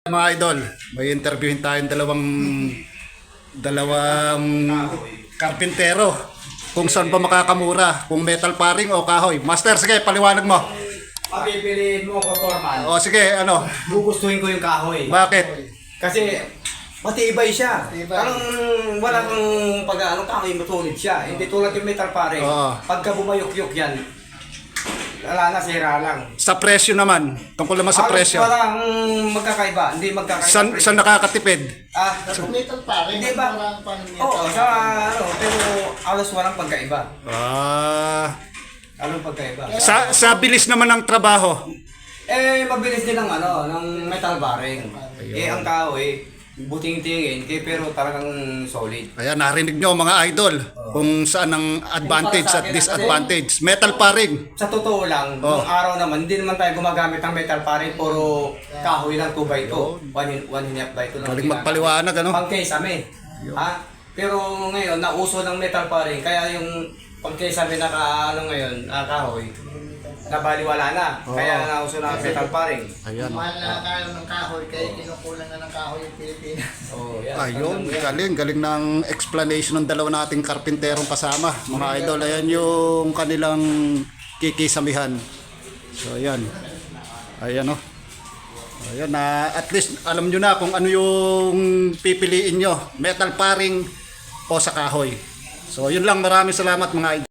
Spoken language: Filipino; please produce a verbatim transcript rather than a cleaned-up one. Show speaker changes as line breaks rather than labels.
Mga idol, may interviewin tayong dalawang dalawang karpintero kung saan pa makakamura, kung metal paring o kahoy. Master, sige, paliwanag mo.
Papipiliin mo ko, Torman.
O sige, ano?
Gugustuhin ko yung kahoy.
Bakit?
Kasi matibay siya. Parang walang pag ano kahoy matulid siya. Hindi tulad yung metal pare.
Oo.
Pagka bumayok-yok yan, wala na, sira lang.
Sa presyo naman, tungkol naman sa
Halos
presyo.
walang magkakaiba. Hindi magkakaiba.
San,
presyo.
saan nakakatipid?
Ah,
Sa metal pare,
hindi ba?
marang pa ng metal.
Oo, sa ano, pero halos walang pagkaiba.
Ah,
Anong pagkaiba?
sa, sa bilis naman ng trabaho.
Eh, mabilis din ang ano, ng metal bearing. Eh, ang kahoy, buting-tingin, eh, pero talagang solid.
Ayan, narinig nyo mga idol kung saan ang advantage at disadvantage. Metal paring.
Sa totoo lang,
Oh.
nung araw naman, hindi naman tayo gumagamit ng metal paring, puro kahoy lang two by two. one and one and a half by two lang.
Galing
ginagamit.
magpaliwanag, ano?
Pangkesame. Ha? Pero ngayon, nauso ng metal paring, kaya yung pangkesame na ka, ano ngayon, ah, kahoy, nabaliwala na.
Oh.
Kaya nauso na ang metal paring.
Ayan.
Mahal na kayo ng kahoy, kaya kinukulang na ng kahoy yung Pilipinas.
Oh, yan.
Ayun,
Yan.
galing, galing ng explanation ng dalawa nating karpinterong kasama. Mga idol, ayan yung kanilang kikisamihan. So, ayan. Ayan, oh. Ayan, na at least alam nyo na kung ano yung pipiliin nyo. Metal paring o sa kahoy. So, yun lang. Maraming salamat mga idol.